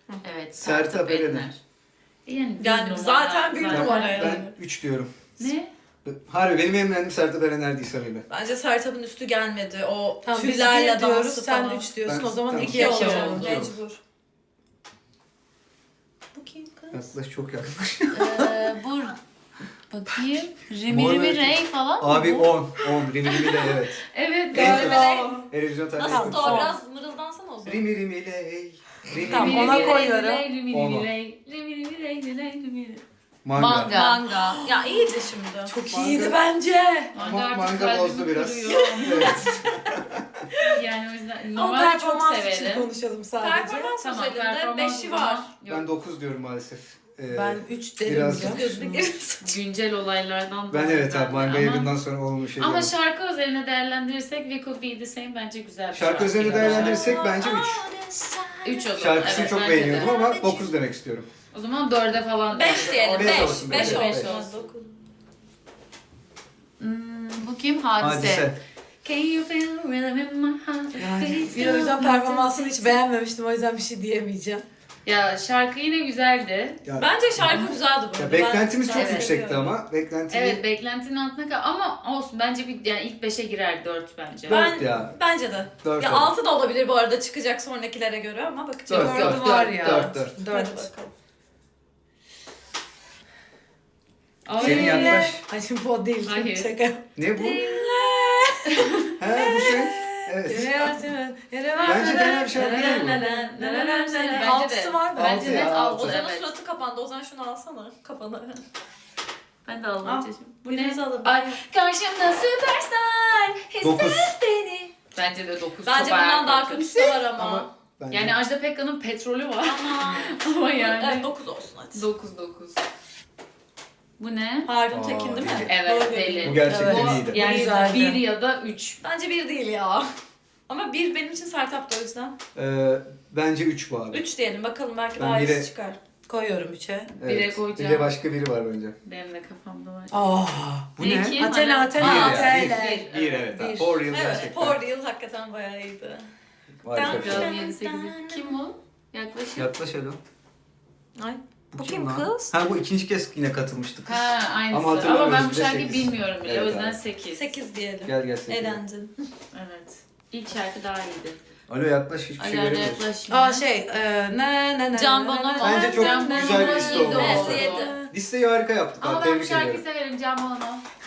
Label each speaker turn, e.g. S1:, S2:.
S1: Evet.
S2: Sertab Erener.
S1: Yani zaten bir numara yani.
S2: Ben 3 diyorum.
S1: Ne?
S2: Harbi benim en beğendiğim Sertab Erener değil samimi.
S3: Bence Sertab'ın üstü gelmedi. O
S4: Tamam, biz
S3: tüllerle
S4: bir diyoruz,
S3: dansı
S4: sen
S3: falan.
S4: 3 diyorsun.
S2: Ben-
S4: O zaman
S2: tamam.
S4: 2'ye
S3: İki
S4: alacağım.
S3: olacak
S2: Tamam.
S3: mecbur. Bu kim kız?
S2: Yaklaş çok yaklaş.
S1: Bu bakayım. Rimi
S2: Mor
S1: Rimi
S2: ve-
S1: Ray falan mı
S2: Abi
S1: bu?
S2: 10. Rimi Rimi de evet.
S1: Evet
S2: En
S1: galiba.
S2: Televizyon tarihi.
S3: Nasıl
S4: Tamam.
S3: da o biraz mırıldansana o zaman.
S2: Rimi Rimi ley. Rimi
S4: Tamam,
S2: Rimi
S4: ona
S2: ley.
S4: koyuyorum.
S1: Rimi
S2: Ona.
S1: Rimi Ray. Rimi Rimi Ray, Rimi Rimi Ray.
S2: Manga.
S1: Manga.
S3: Manga. Ya iyiydi şimdi.
S4: Çok
S2: Manga-
S4: iyiydi bence.
S1: Manga artık
S2: Manga
S1: kalbimi
S2: bozdu biraz.
S1: kırıyor.
S2: Evet.
S1: Yani o yüzden
S4: Ama
S1: normalde çok
S4: performans için
S1: severim.
S4: konuşalım sadece.
S3: Performans
S1: Tamam,
S3: özelinde
S1: performans
S3: 5'i
S1: o
S3: var.
S1: zaman yok.
S2: Ben 9 diyorum maalesef.
S4: Ben 3 derim
S2: biraz-
S4: ya.
S3: Gözüne girmesin.
S1: Güncel olaylardan
S2: Ben
S1: dolayı
S2: evet abi manga
S1: ama-
S2: evinden sonra olmuş şey
S1: Ama
S2: diyorum.
S1: şarkı üzerine değerlendirirsek We Could Be The Same bence güzel bir
S2: Şarkı üzerine değerlendirirsek bence 3.
S1: 3 olur.
S2: Şarkısını
S1: evet,
S2: çok
S1: bence de.
S2: beğeniyordum ama 9 demek istiyorum.
S1: O zaman 4'e falan.
S3: 5 diyelim.
S2: Beş
S3: 5.
S2: olsun,
S3: 5
S2: beş
S3: olsun.
S1: Bu kim? Hadise.
S2: Hadise.
S1: Can you feel the rhythm in my heart?
S4: Yani bir o yüzden performansını hiç beğenmemiştim. O yüzden bir şey diyemeyeceğim.
S1: Ya şarkı yine güzeldi.
S2: Ya,
S3: Bence şarkı güzeldi bu
S2: ya
S3: arada.
S2: beklentimiz
S3: Ben
S2: çok
S1: Evet.
S2: yüksekti
S3: seviyorum.
S2: ama. Beklentimi
S1: Evet beklentinin altına kal ama olsun bence bir yani ilk 5'e girer 4 bence.
S2: Dört ya.
S3: Bence de.
S2: 4
S3: Ya 6 da olabilir bu arada çıkacak sonrakilere göre ama bakacağız.
S2: Dört,
S4: Dördü
S2: dört,
S4: var
S2: dört,
S4: ya.
S2: dört, dört.
S3: Hadi
S4: 4.
S3: bakalım.
S1: Ay.
S2: Senin yaklaş.
S4: Ay şimdi bu o değil.
S1: Hayır.
S4: Şaka.
S2: Ne bu? He bu şey. Evet. Bence fena bir şarkı değil bu.
S1: Bence de.
S4: Altısı var bence.
S1: Bence net
S2: ya,
S1: altı.
S3: Ozan'ın
S1: Evet.
S3: suratı kapandı. Ozan şunu alsana kafana.
S1: Ben de almayacağım. Bu
S3: Biriniz
S1: ne?
S3: alın.
S1: Ay karşımda süperstar.
S2: Dokuz.
S1: Hisset beni. Bence de 9.
S3: Bence bundan daha kötüsü de var ama.
S2: Ama bence
S1: Yani Ajda Pekkan'ın petrolü var.
S3: Ama.
S1: Ama yani.
S3: Evet 9 olsun hadi.
S1: 9. Bu ne?
S3: Harun
S2: Aa,
S3: Tekin değil mi?
S1: deli. Evet,
S3: Doğru
S1: deli.
S3: diyorsun.
S2: bu gerçekten
S4: Evet.
S2: iyiydi.
S1: Yani
S4: Güzeldi.
S1: 1 ya da 3.
S3: Bence 1 değil ya. Ama 1 benim için Sertap'tı o yüzden.
S2: Bence 3 bu abi.
S3: 3 diyelim bakalım belki
S2: Ben
S3: daha
S2: bire-
S3: iyisi çıkar.
S4: Koyuyorum 3'e.
S1: Bire
S2: Evet.
S1: koyacağım.
S2: Bir de başka biri var bence.
S1: Benim de kafamda var.
S2: Bu ne?
S1: Kim?
S4: Athena,
S1: Hani-
S4: Athena,
S2: Bir
S1: Aa,
S4: Athena.
S2: ya.
S1: bir.
S2: Bir evet.
S4: Bir.
S2: For real
S3: Evet,
S2: gerçekten.
S3: For Real hakikaten bayağı iyiydi.
S2: Harika bir şey.
S1: Bakalım 7 8. Kim bu? Yaklaşık.
S2: Yaklaş Elo.
S3: Ay. Bu
S2: kim
S3: kim
S2: lan?
S3: kız?
S2: Ha bu ikinci kez yine katılmıştık.
S1: Ha aynısı.
S2: Ama
S1: Ama,
S2: hatırlamıyoruz,
S1: ben bu
S2: bir de
S1: şarkıyı
S2: sekiz.
S1: bilmiyorum bile.
S2: Evet
S1: o yüzden
S2: abi.
S1: 8.
S3: 8 diyelim.
S2: Gel sen.
S3: Eğlendin.
S1: Evet. İlk şarkı daha iyiydi.
S2: Alo yaklaş hiçbir şey
S1: Ayarla
S2: göremiyoruz.
S1: yaklaş.
S4: Aa şey, ne.
S3: Can Bonomo.
S2: Bence çok
S1: Can
S2: güzel bir
S1: Bonomo
S2: liste
S1: iyiydi
S2: oldu.
S1: o.
S3: Evet, yedi.
S2: Listeyi harika yaptık
S1: Ama
S2: abi.
S1: ben bu
S2: Tebrik
S1: şarkıyı
S2: ediyorum.
S1: severim Can Bonomo.